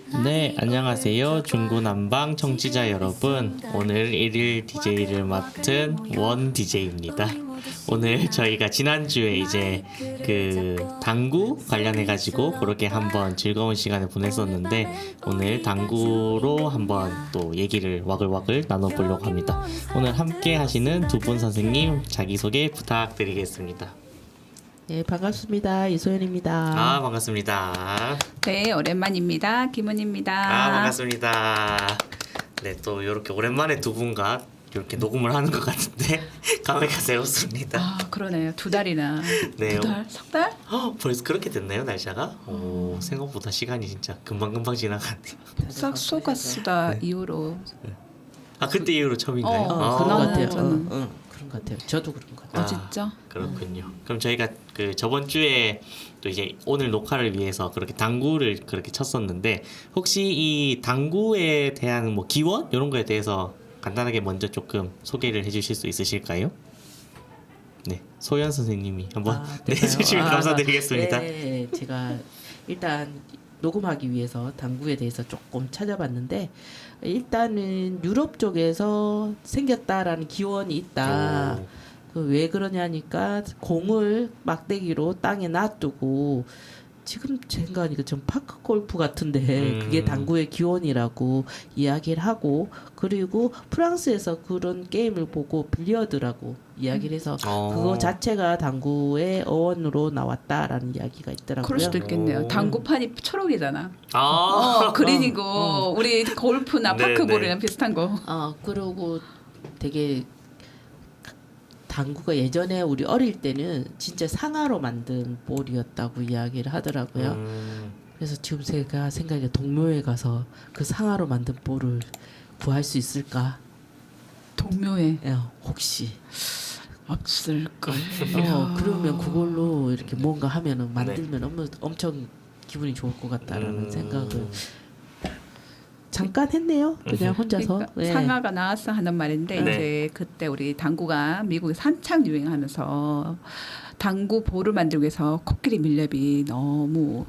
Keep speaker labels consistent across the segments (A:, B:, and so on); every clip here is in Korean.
A: 네, 안녕하세요. 중구난방 청취자 여러분. 오늘 1일 DJ를 맡은 원 DJ입니다. 오늘 저희가 지난주에 이제 그 당구 관련해가지고 그렇게 한번 즐거운 시간을 보냈었는데 오늘 당구로 한번 또 얘기를 와글와글 나눠보려고 합니다. 오늘 함께 하시는 두 분 선생님 자기소개 부탁드리겠습니다.
B: 네, 반갑습니다. 이소연입니다.
A: 반갑습니다.
C: 네, 오랜만입니다. 김은입니다.
A: 반갑습니다. 네, 또 이렇게 오랜만에 두 분과 이렇게 녹음을 하는 것 같은데 감회가 새롭습니다.
C: 그러네요. 2달이나.
A: 네.
C: 2달? 3달?
A: 벌써 그렇게 됐나요, 날짜가? 오, 생각보다 시간이 진짜 금방금방 지나가네요.
C: 싹소가수다 이후로.
A: 그때 이후로 처음인가요?
B: 그런 것 같아요.
C: 저는.
B: 그런 것 같아요. 저도 그런 것 같아요.
C: 진짜?
A: 그렇군요. 그럼 저희가 그 저번 주에 또 이제 오늘 녹화를 위해서 그렇게 당구를 그렇게 쳤었는데 혹시 이 당구에 대한 뭐 기원 이런 거에 대해서 간단하게 먼저 조금 소개를 해주실 수 있으실까요? 네, 소연 선생님이 한번 해주시면 감사드리겠습니다.
B: 네, 제가 일단 녹음하기 위해서 당구에 대해서 조금 찾아봤는데 일단은 유럽 쪽에서 생겼다라는 기원이 있다. 왜 그러냐니까 공을 막대기로 땅에 놔두고 지금 생각하니까 좀 파크 골프 같은데 그게 당구의 기원이라고 이야기를 하고 그리고 프랑스에서 그런 게임을 보고 빌리어드라고 이야기를 해서 그거 자체가 당구의 어원으로 나왔다라는 이야기가 있더라고요.
C: 그럴 수도 있겠네요. 당구판이 초록이잖아. 그린이고 우리 골프나
A: 네,
C: 파크볼이랑 비슷한 거.
B: 그리고 되게 당구가 예전에 우리 어릴 때는 진짜 상아로 만든 볼이었다고 이야기를 하더라고요. 그래서 지금 제가 생각에 동묘에 가서 그 상아로 만든 볼을 구할 수 있을까?
C: 동묘에
B: 혹시
C: 없을걸.
B: 그러면 그걸로 이렇게 뭔가 하면은 만들면 엄청 기분이 좋을 것 같다라는 생각을 잠깐 했네요. 그냥 혼자서.
C: 그러니까
B: 네.
C: 상아가 나왔어 하는 말인데
A: 네.
C: 이제 그때 우리 당구가 미국에 한창 유행하면서 당구 볼을 만들기 위해서 코끼리 밀렵이 너무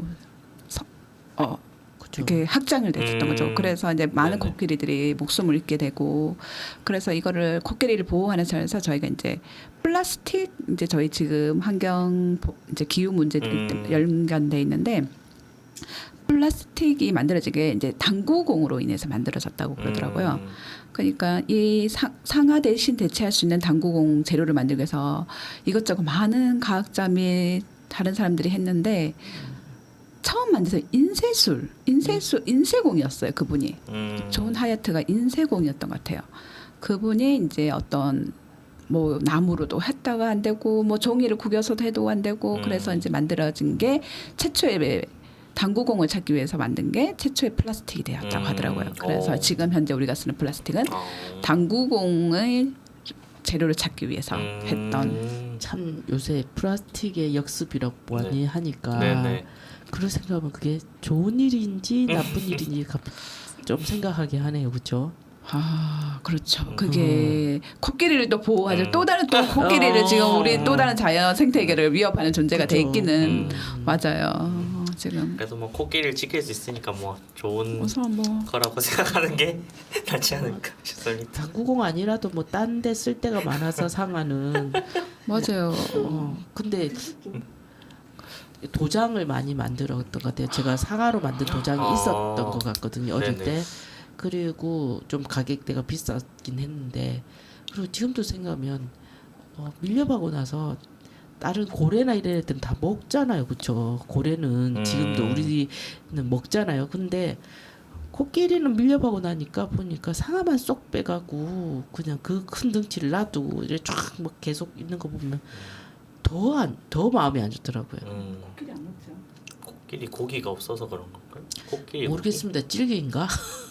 B: 그쵸.
C: 이렇게 확장을 됐었던 거죠. 그래서 이제 많은
A: 네네.
C: 코끼리들이 목숨을 잃게 되고 그래서 이거를 코끼리를 보호하는 차원에서 저희가 이제 플라스틱 이제 저희 지금 환경 이제 기후 문제들이 연관돼 있는데 플라스틱이 만들어지게 이제 당구공으로 인해서 만들어졌다고 그러더라고요. 그러니까 이 상하 대신 대체할 수 있는 당구공 재료를 만들기 위해서 이것저것 많은 과학자 및 다른 사람들이 했는데 처음 만들어서 인쇄공이었어요. 그분이. 존 하얏트가 인쇄공이었던 것 같아요. 그분이 이제 어떤 뭐 나무로도 했다가 안 되고 뭐 종이를 구겨서도 해도 안 되고 그래서 이제 만들어진 게 최초의 당구공을 찾기 위해서 만든 게 최초의 플라스틱이 되었다고 하더라고요. 그래서 지금 현재 우리가 쓰는 플라스틱은 당구공의 재료를 찾기 위해서 했던.
B: 참 요새 플라스틱의 역습이라고 많이 하니까
A: 네네.
B: 그런 생각하면 그게 좋은 일인지 나쁜 일인지 좀 생각하게 하네요, 그렇죠?
C: 그렇죠. 그게 코끼리를 또 보호하죠. 또 다른 또 코끼리를 지금 우리 또 다른 자연 생태계를 위협하는 존재가 돼 있기는 맞아요. 지금
A: 그래도 뭐 코끼리를 지킬 수 있으니까 뭐 좋은
C: 우선 뭐
A: 거라고 생각하는 게 낫지 않을까 싶습니다.
B: 당구공 아니라도 뭐 딴 데 쓸 데가 많아서 상하는
C: 맞아요.
B: 근데 도장을 많이 만들었던 것 같아요. 제가 상하로 만든 도장이 있었던 것 같거든요. 어릴
A: 네네.
B: 때. 그리고 좀 가격대가 비쌌긴 했는데 그리고 지금도 생각하면 밀렵하고 나서 다른 고래나 이런 애들은 다 먹잖아요. 그렇죠? 고래는 지금도 우리는 먹잖아요. 근데 코끼리는 밀렵하고 나니까 보니까 상아만 쏙 빼가고 그냥 그 큰 덩치를 놔두고 이렇게 쫙 뭐 계속 있는 거 보면 더 마음이 안 좋더라고요.
C: 코끼리 안 먹죠.
A: 코끼리 고기가 없어서 그런 건가요? 코끼리
B: 모르겠습니다. 찔개인가?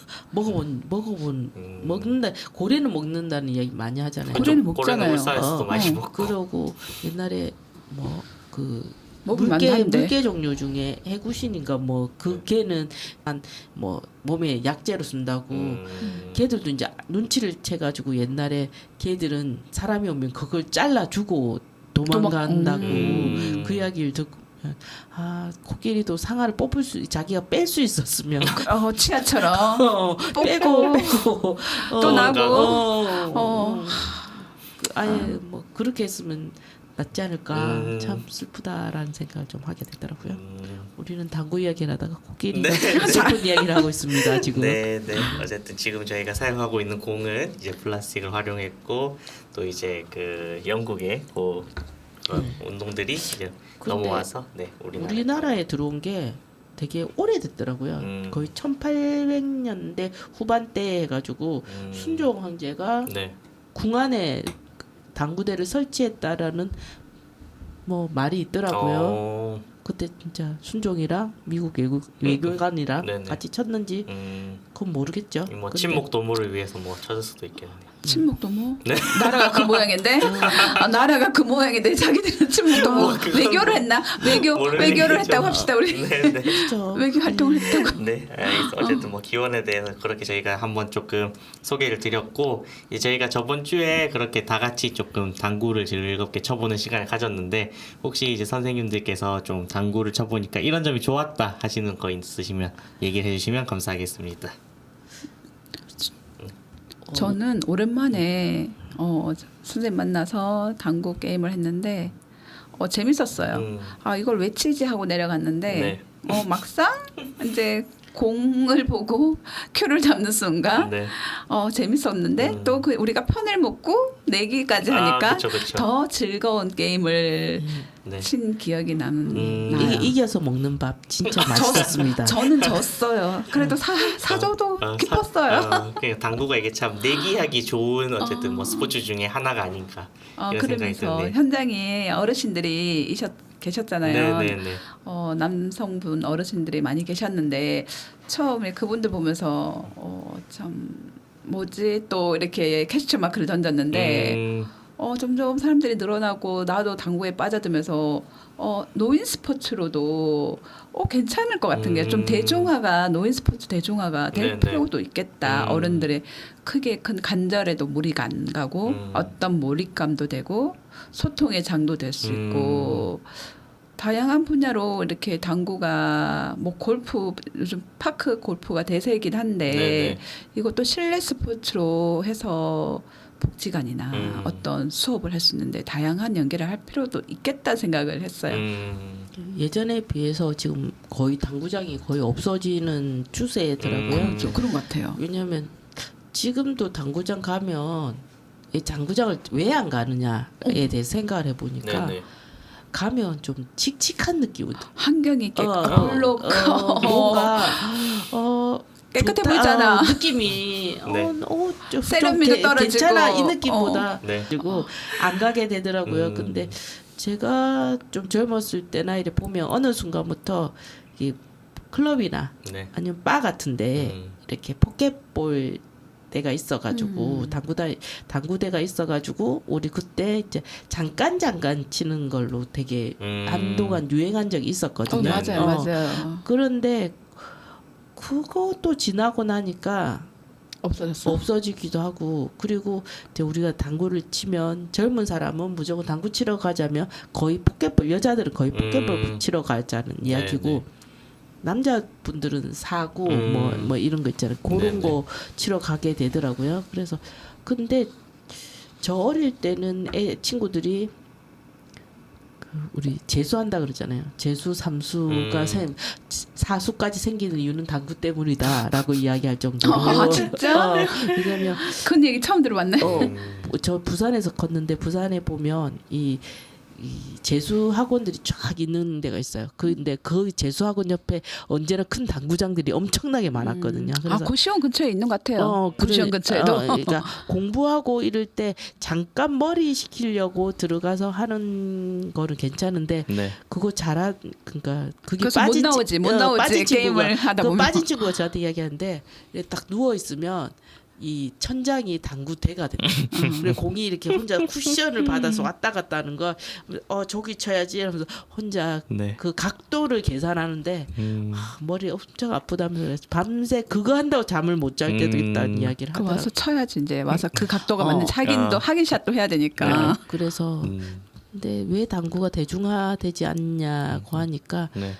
B: 먹는다. 고래는 먹는다는 이야기 많이 하잖아요.
C: 고래는 먹잖아요.
A: 울산에서도 많이 먹고.
B: 그러고 옛날에 뭐 그
C: 먹으면 안 되는데.
B: 물개 종류 중에 해구신인가 뭐 그 개는 한 뭐 몸에 약재로 쓴다고 개들도 이제 눈치를 채가지고 옛날에 개들은 사람이 오면 그걸 잘라주고 도망간다고 그 이야기를 아 코끼리도 상아를 뽑을 수 자기가 뺄 수 있었으면
C: 치아처럼
B: 빼고
C: 또 나고.
B: 아예 뭐 그렇게 했으면 낫지 않을까. 참 슬프다라는 생각을 좀 하게 되더라고요. 우리는 당구 이야기를 하다가 코끼리가
A: 네.
B: 슬픈 이야기를 하고 있습니다 지금.
A: 네. 어쨌든 지금 저희가 사용하고 있는 공은 이제 플라스틱을 활용했고 또 이제 그 영국의 그런 운동들이 이제
B: 근데
A: 넘어와서
B: 우리나라에 들어온 게 되게 오래됐더라고요. 거의 1800년대 후반때 해가지고 순종 황제가
A: 네.
B: 궁 안에 당구대를 설치했다라는 뭐 말이 있더라고요. 그때 진짜 순종이랑 미국 외교관이랑
A: 네네.
B: 같이 쳤는지 그건 모르겠죠.
A: 뭐
B: 근데
A: 친목 도모를 위해서 뭐 찾을 수도 있겠네요.
C: 침묵도모?
A: 네.
C: 나라가 그 모양인데? 나라가 그 모양인데 자기들은 침묵도모 외교를 했나? 외교를
A: 얘기죠.
C: 했다고 합시다 우리.
A: 네.
B: 그렇죠.
C: 외교 활동을 했다고.
A: 네, 어쨌든 뭐 기원에 대해서 그렇게 저희가 한번 조금 소개를 드렸고 이제 저희가 저번 주에 그렇게 다 같이 조금 당구를 즐겁게 쳐보는 시간을 가졌는데 혹시 이제 선생님들께서 좀 당구를 쳐보니까 이런 점이 좋았다 하시는 거 있으시면 얘기를 해주시면 감사하겠습니다.
C: 저는 오랜만에 선생님 만나서 당구 게임을 했는데 재밌었어요. 아 이걸 왜 치지 하고 내려갔는데 막상 이제 공을 보고 큐를 잡는 순간 재밌었는데 또 우리가 편을 먹고 내기까지 하니까
A: 그쵸.
C: 더 즐거운 게임을 친 기억이 나요.
B: 이겨서 먹는 밥 진짜 맛있었습니다.
C: 저는 졌어요. 그래도 사줘도 기뻤어요.
A: 그러니까 당구가 이게 참 내기하기 좋은 어쨌든 뭐 스포츠 중에 하나가 아닌가 이런 생각이
C: 그러면서
A: 드는데.
C: 현장에 어르신들이 계셨잖아요.
A: 네네네.
C: 남성분 어르신들이 많이 계셨는데 처음에 그분들 보면서 참 뭐지 또 이렇게 캐스처 마크를 던졌는데 점점 사람들이 늘어나고 나도 당구에 빠져들면서 노인 스포츠로도 괜찮을 것 같은 게 좀 노인 스포츠 대중화가 될
A: 네네.
C: 필요도 있겠다. 어른들의 크게 큰 간절에도 무리가 안 가고 어떤 몰입감도 되고 소통의 장도 될 수 있고 다양한 분야로 이렇게 당구가 뭐 골프 요즘 파크 골프가 대세이긴 한데
A: 네네.
C: 이것도 실내 스포츠로 해서 복지관이나 어떤 수업을 할 수 있는데 다양한 연계를 할 필요도 있겠다 생각을 했어요.
B: 예전에 비해서 지금 거의 당구장이 거의 없어지는 추세더라고요.
C: 그런 것 같아요.
B: 왜냐하면 지금도 당구장 가면 이 당구장을 왜 안 가느냐에 대해 생각을 해보니까 가면 좀 칙칙한 느낌이
C: 환경이 깨끗하고
B: 뭔가
C: 깨끗해
B: 좋다,
C: 보이잖아.
B: 느낌이 좀
C: 세련미도 떨어지고
B: 괜찮아 이 느낌보다 그리고 안 가게 되더라고요. 근데 제가 좀 젊었을 때나 이래 보면 어느 순간부터 이 클럽이나 아니면 바 같은데 이렇게 포켓볼 대가 있어가지고 당구대가 있어가지고 우리 그때 이제 잠깐 치는 걸로 되게 한동안 유행한 적이 있었거든요.
C: 맞아요.
B: 그런데 그것도 지나고 나니까 없어지기도 하고 그리고 이제 우리가 당구를 치면 젊은 사람은 무조건 당구 치러 가자면 거의 포켓볼 여자들은 거의 포켓볼 치러 가자는 이야기고 남자분들은 사고 뭐 이런 거 있잖아요. 그런 거 치러 가게 되더라고요. 그래서 근데 저 어릴 때는 친구들이 우리 재수한다 그러잖아요. 재수 삼수가 사수까지 생기는 이유는 당구 때문이다라고 이야기할 정도로.
C: 진짜?
B: 왜냐면
C: 그런 얘기 처음 들어봤네.
B: 저 부산에서 컸는데 부산에 보면 이 재수 학원들이 쫙 있는 데가 있어요. 근데 그 재수 학원 옆에 언제나 큰 당구장들이 엄청나게 많았거든요. 그래서
C: 고시원 근처에 있는 것 같아요. 고시원 근처에도.
B: 그러니까 공부하고 이럴 때 잠깐 머리 식히려고 들어가서 하는 거는 괜찮은데 그거 그러니까 그게
C: 못 나오지 게임을 하다 보면.
B: 빠진 친구가 저한테 이야기하는데 딱 누워 있으면 이 천장이 당구대가 된다. 그리고 공이 이렇게 혼자 쿠션을 받아서 왔다 갔다 하는 거, 저기 쳐야지 하면서 혼자 그 각도를 계산하는데 머리 엄청 아프다면서 밤새 그거 한다고 잠을 못 잘 때도 있다는 이야기를 하더라고요.
C: 와서 쳐야지 이제 와서 그 각도가 맞는 확인도 확인샷도 해야 되니까.
B: 그래서 근데 왜 당구가 대중화되지 않냐고 하니까
A: 네.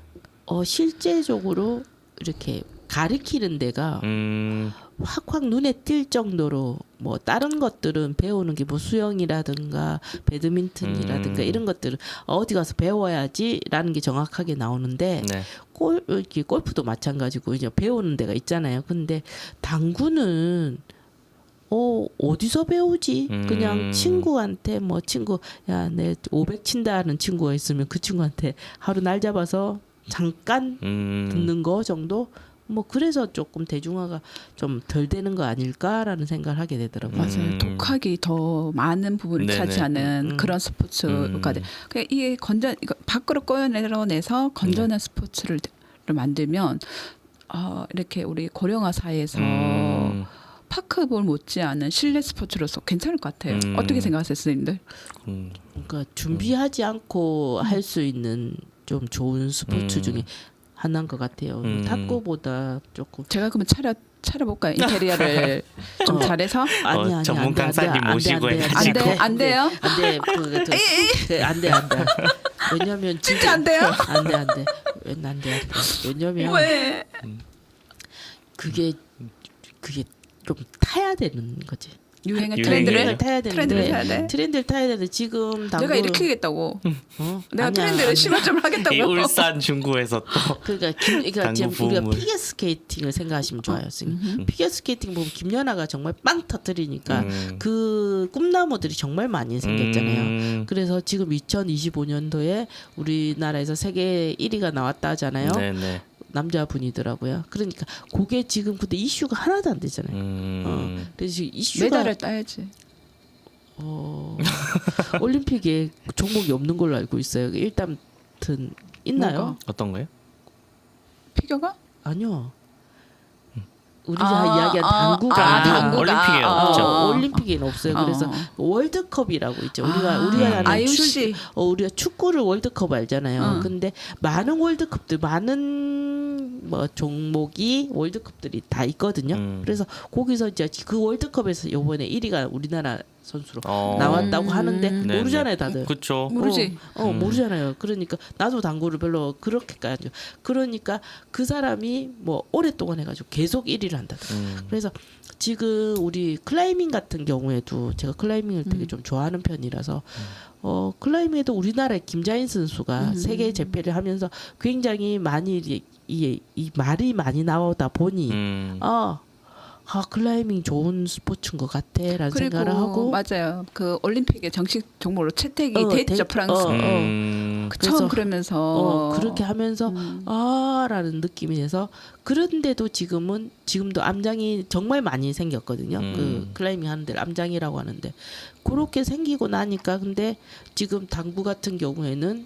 B: 실제적으로 이렇게 가르치는 데가 확확 눈에 띌 정도로 뭐 다른 것들은 배우는 게 뭐 수영이라든가 배드민턴이라든가 이런 것들은 어디 가서 배워야지라는 게 정확하게 나오는데
A: 네.
B: 골프도 마찬가지고 이제 배우는 데가 있잖아요. 근데 당구는 어디서 배우지? 그냥 친구한테 뭐 친구 야, 내 500 친다는 친구가 있으면 그 친구한테 하루 날 잡아서 잠깐 듣는 거 정도? 뭐 그래서 조금 대중화가 좀 덜 되는 거 아닐까라는 생각을 하게 되더라고요.
C: 맞아요. 독학이 더 많은 부분을
A: 네네.
C: 차지하는 그런 스포츠가 돼. 그러니까 이게 이거 밖으로 꺼내서 건전한 스포츠를 만들면 이렇게 우리 고령화 사회에서 파크볼 못지않은 실내 스포츠로서 괜찮을 것 같아요. 어떻게 생각하세요, 선생님들?
B: 그러니까 준비하지 않고 할 수 있는 좀 좋은 스포츠 중에 하나인 것 같아요. 탁구보다 조금
C: 제가 그러면 차려볼까요? 인테리어를 좀 잘해서?
B: 아니
A: 전문 강사님 모시고
C: 안 돼, 안 돼요?
B: 안돼 왜냐면
C: 진짜 안 돼요?
B: 안돼 안돼 왜냐면
C: 왜?
B: 그게 좀 타야 되는 거지.
C: 유행의
A: 유행을
C: 트렌드를
B: 타야
C: 트렌드를 타야 돼?
B: 트렌드를 타야 되는데 지금 당구
C: 내가 일으키겠다고. 내가
B: 아니야,
C: 트렌드를
B: 아니야.
C: 심화 좀 하겠다고.
A: 이 울산 중구에서 또
B: 그러니까
A: 당구
B: 지금 우리가
A: 부음을.
B: 피겨 스케이팅을 생각하시면 좋아요. 지금 피겨 스케이팅 보면 김연아가 정말 빵 터뜨리니까 그 꿈나무들이 정말 많이 생겼잖아요. 그래서 지금 2025년도에 우리나라에서 세계 1위가 나왔다 하잖아요.
A: 네네.
B: 남자분이더라고요. 그러니까 그게 지금 근데 이슈가 하나도 안 되잖아요. 그래서 지금 이슈가
C: 메달을 따야지.
B: 올림픽에 종목이 없는 걸로 알고 있어요. 일단 있나요?
C: 뭐가?
A: 어떤 거요?
C: 피겨가?
B: 아니요. 우리가 이야기한 당구가
C: 당구가.
A: 올림픽에 없죠.
B: 올림픽에는 없어요. 그래서 월드컵이라고 있죠. 우리가 아는
C: IOC.
B: 우리가 축구를 월드컵 알잖아요. 근데 많은 월드컵들 많은 뭐 종목이 월드컵들이 다 있거든요. 그래서 거기서 이제 그 월드컵에서 이번에 1위가 우리나라 선수로 나왔다고 하는데
A: 네네.
B: 모르잖아요, 다들.
A: 그렇죠.
C: 모르지.
B: 모르잖아요. 그러니까 나도 당구를 별로 그렇게까지. 그러니까 그 사람이 뭐 오랫동안 해가지고 계속 1위를 한다. 그래서 지금 우리 클라이밍 같은 경우에도 제가 클라이밍을 되게 좀 좋아하는 편이라서 클라이밍에도 우리나라의 김자인 선수가 세계 재패를 하면서 굉장히 많이 이 말이 많이 나오다 보니 클라이밍 좋은 스포츠인 것 같아라는
C: 그리고
B: 생각을 하고
C: 맞아요. 그 올림픽의 정식 종목으로 채택이 됐죠 프랑스.
B: 그래서
C: 처음 그러면서
B: 그렇게 하면서 라는 느낌이 돼서 그런데도 지금도 암장이 정말 많이 생겼거든요. 그 클라이밍 하는 데 암장이라고 하는데 그렇게 생기고 나니까 근데 지금 당구 같은 경우에는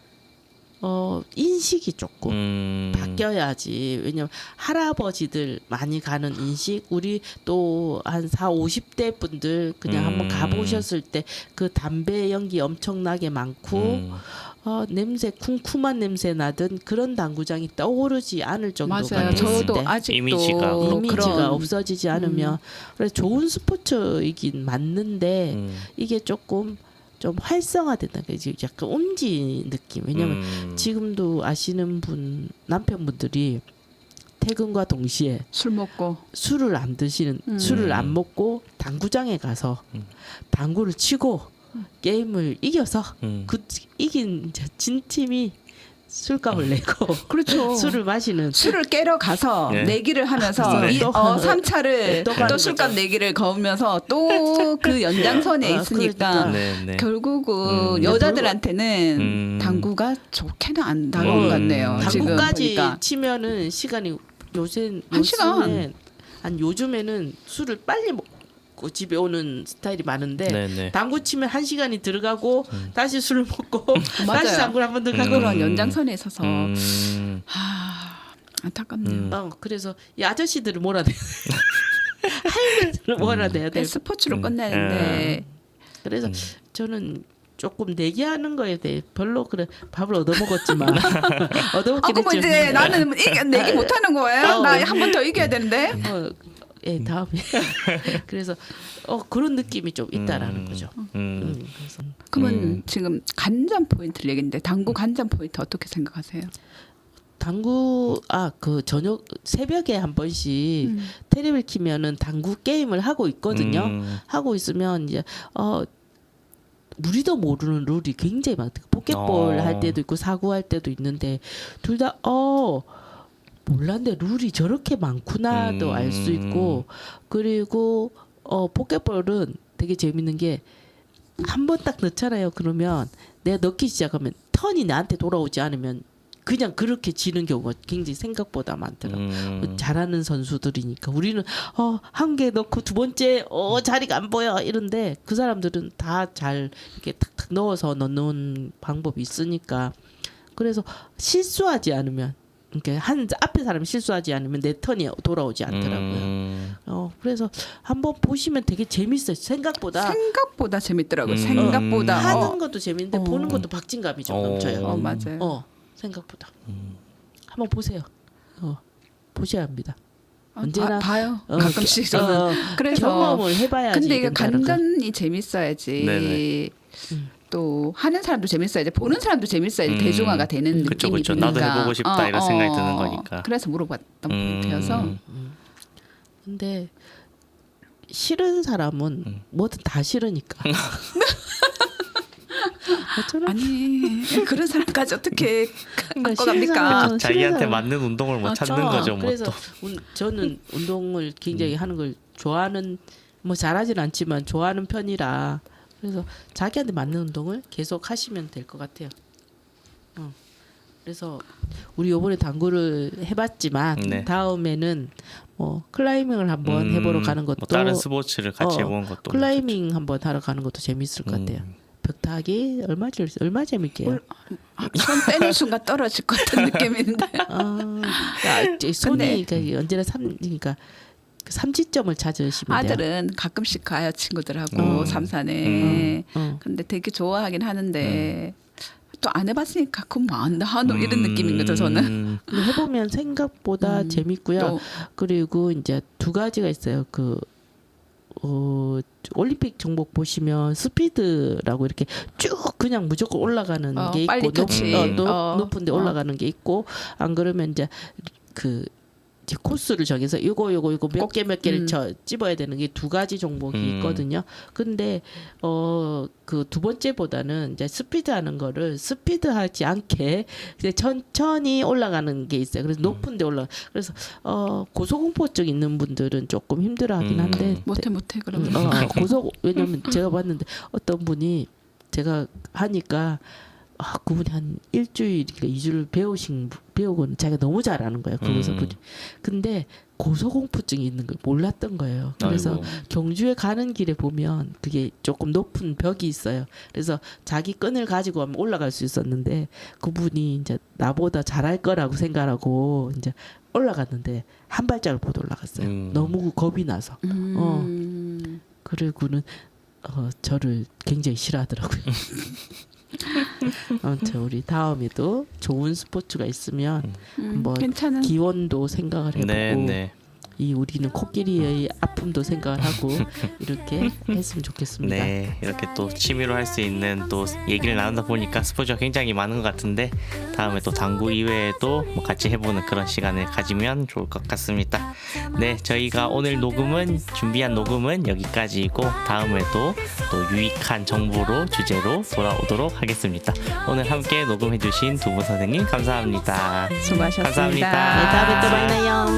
B: 인식이 조금 바뀌어야지. 왜냐면 할아버지들 많이 가는 인식, 우리 또 한 40, 50대 분들 그냥 한번 가보셨을 때 그 담배 연기 엄청나게 많고 냄새 쿰쿰한 냄새 나던 그런 당구장이 떠오르지 않을 정도가
C: 맞아요.
B: 됐을
C: 저도
B: 때
C: 아직도
A: 이미지가
B: 이미지가 없어지지 않으면 그래서 좋은 스포츠이긴 맞는데 이게 조금 좀 활성화된다. 이제 약간 옴지 느낌. 왜냐면 지금도 아시는 분 남편분들이 퇴근과 동시에
C: 술 먹고
B: 술을 안 드시는 술을 안 먹고 당구장에 가서 당구를 치고 게임을 이겨서 그 이긴 진 팀이 술값을 내고
C: 그렇죠.
B: 술을 마시는
C: 술을 깨러 가서
A: 네.
C: 내기를 하면서
B: 네.
C: 3차를
B: 또 가는
C: 또 술값
B: 거죠.
C: 내기를 거으면서 또 그 연장선에 있으니까
A: 네네.
C: 결국은 여자들한테는 당구가 좋게는 안 나온 것 같네요. 지금
B: 당구까지
C: 보니까.
B: 치면은 시간이
C: 한 시간.
B: 요즘에는 술을 빨리 먹고 집에 오는 스타일이 많은데
A: 네네.
B: 당구 치면 1시간이 들어가고 다시 술을 먹고
C: 맞아요.
B: 다시 당구를 한 번 더 가고
C: 그런 연장선에 있어서 안타깝네요.
B: 그래서 이 아저씨들을 몰아내 할머니들을 몰아내야 돼.
C: 스포츠로 끝내는데
B: 그래서 저는 조금 내기하는 거에 대해 별로 그래 밥을 얻어먹었지만 얻어먹긴
C: 그럼
B: 했지만
C: 이제 나는 내기 못하는 거예요? 나 한 번 더 이겨야 되는데.
B: 예, 다음에 그래서 그런 느낌이 좀 있다라는 거죠. 그래서
C: 그러면 지금 간장 포인트를 얘기했는데 당구 간장 포인트 어떻게 생각하세요?
B: 당구 그 저녁 새벽에 한 번씩 테레비를 키면은 당구 게임을 하고 있거든요. 하고 있으면 이제 우리도 모르는 룰이 굉장히 많다. 포켓볼 할 때도 있고 사구 할 때도 있는데 둘 다 몰랐는데 룰이 저렇게 많구나도 알 수 있고 그리고 포켓볼은 되게 재밌는 게 한 번 딱 넣잖아요. 그러면 내가 넣기 시작하면 턴이 나한테 돌아오지 않으면 그냥 그렇게 지는 경우가 굉장히 생각보다 많더라고요. 잘하는 선수들이니까 우리는 한 개 넣고 두 번째 자리가 안 보여 이런데 그 사람들은 다 잘 이렇게 탁탁 넣어서 넣는 방법이 있으니까 그래서 실수하지 않으면 그러니까 앞에 사람이 실수하지 않으면 내 턴이 돌아오지 않더라고요. 그래서 한번 보시면 되게 재밌어요. 생각보다
C: 재밌더라고요. 생각보다
B: 하는 것도 재밌는데 보는 것도 박진감이 좀 넘쳐요.
C: 맞아요.
B: 생각보다 한번 보세요. 보셔야 합니다. 언제나
C: 봐요. 가끔씩 저는 그래서
B: 경험을 해봐야지.
C: 근데 이게
B: 된다는 거.
C: 간단히 재밌어야지.
A: 네네.
C: 또 하는 사람도 재밌어야지 보는 사람도 재밌어야지 대중화가 되는
A: 그쵸,
C: 느낌이
A: 그쵸.
C: 드니까
A: 나도 해보고 싶다 이런 생각이 드는 거니까.
C: 그래서 물어봤던 포인트여서
B: 근데 싫은 사람은 뭐든 다 싫으니까.
C: 아니 그런 사람까지 어떻게
B: 그러니까
C: 갖고 갑니까?
A: 자기한테 맞는 운동을 뭐 찾는 거죠. 뭐
B: 그래서
A: 또.
B: 저는 운동을 굉장히 하는 걸 좋아하는 뭐 잘하진 않지만 좋아하는 편이라 그래서 자기한테 맞는 운동을 계속 하시면 될 것 같아요. 그래서 우리 이번에 당구를 해봤지만
A: 네.
B: 다음에는 뭐 클라이밍을 한번 해보러 가는 것도
A: 뭐 다른 스포츠를 같이 해보는 것도
B: 클라이밍 한번 하러 가는 것도 재밌을 것 같아요. 벽타기 얼마 재밌게요.
C: 손 빼는 순간 떨어질 것 같은 느낌인데.
B: 손이 그러니까 언제나 그러니까 삼지점을 찾으시면 돼요.
C: 아들은 가끔씩 가요 친구들하고 삼산에. 근데 되게 좋아하긴 하는데 또 안 해봤으니까 그건 뭐 안다 하노 이런 느낌인 거죠 저는.
B: 근데 해보면 생각보다 재밌고요.
C: 또.
B: 그리고 이제 두 가지가 있어요. 올림픽 종목 보시면 스피드라고 이렇게 쭉 그냥 무조건 올라가는 게 있고
C: 빨리
B: 높은 데 올라가는 게 있고 안 그러면 이제 이제 코스를 정해서 이거 몇 개를 찝어야 되는 게 두 가지 종목이 있거든요. 근데 그 두 번째보다는 이제 스피드하는 거를 스피드하지 않게 이제 천천히 올라가는 게 있어요. 그래서 높은 데 올라. 그래서 고소공포증 있는 분들은 조금 힘들어하긴 한데
C: 못해 그러면.
B: 왜냐면 제가 봤는데 어떤 분이 제가 하니까 그분이 한 일주일인가 2주를 배우고는 자기가 너무 잘하는 거예요. 거기서 분이. 근데 고소공포증이 있는 걸 몰랐던 거예요. 그래서
A: 아이고.
B: 경주에 가는 길에 보면 그게 조금 높은 벽이 있어요. 그래서 자기 끈을 가지고 하면 올라갈 수 있었는데 그분이 이제 나보다 잘할 거라고 생각하고 이제 올라갔는데 한 발짝을 못 올라갔어요. 너무 겁이 나서. 그리고는 저를 굉장히 싫어하더라고요. 아무튼 우리 다음에도 좋은 스포츠가 있으면 한번
C: 괜찮은.
B: 기원도 생각을 해보고
A: 네.
B: 이 우리는 코끼리의 아픔도 생각을 하고 이렇게 했으면 좋겠습니다.
A: 네, 이렇게 또 취미로 할 수 있는 또 얘기를 나누다 보니까 스포츠가 굉장히 많은 것 같은데 다음에 또 당구 이외에도 뭐 같이 해보는 그런 시간을 가지면 좋을 것 같습니다. 네, 저희가 오늘 준비한 녹음은 여기까지이고 다음에도 또 유익한 정보로 주제로 돌아오도록 하겠습니다. 오늘 함께 녹음해주신 두 분 선생님 감사합니다.
C: 수고하셨습니다.
A: 감사합니다.
B: 네, 다음에 또 만나요.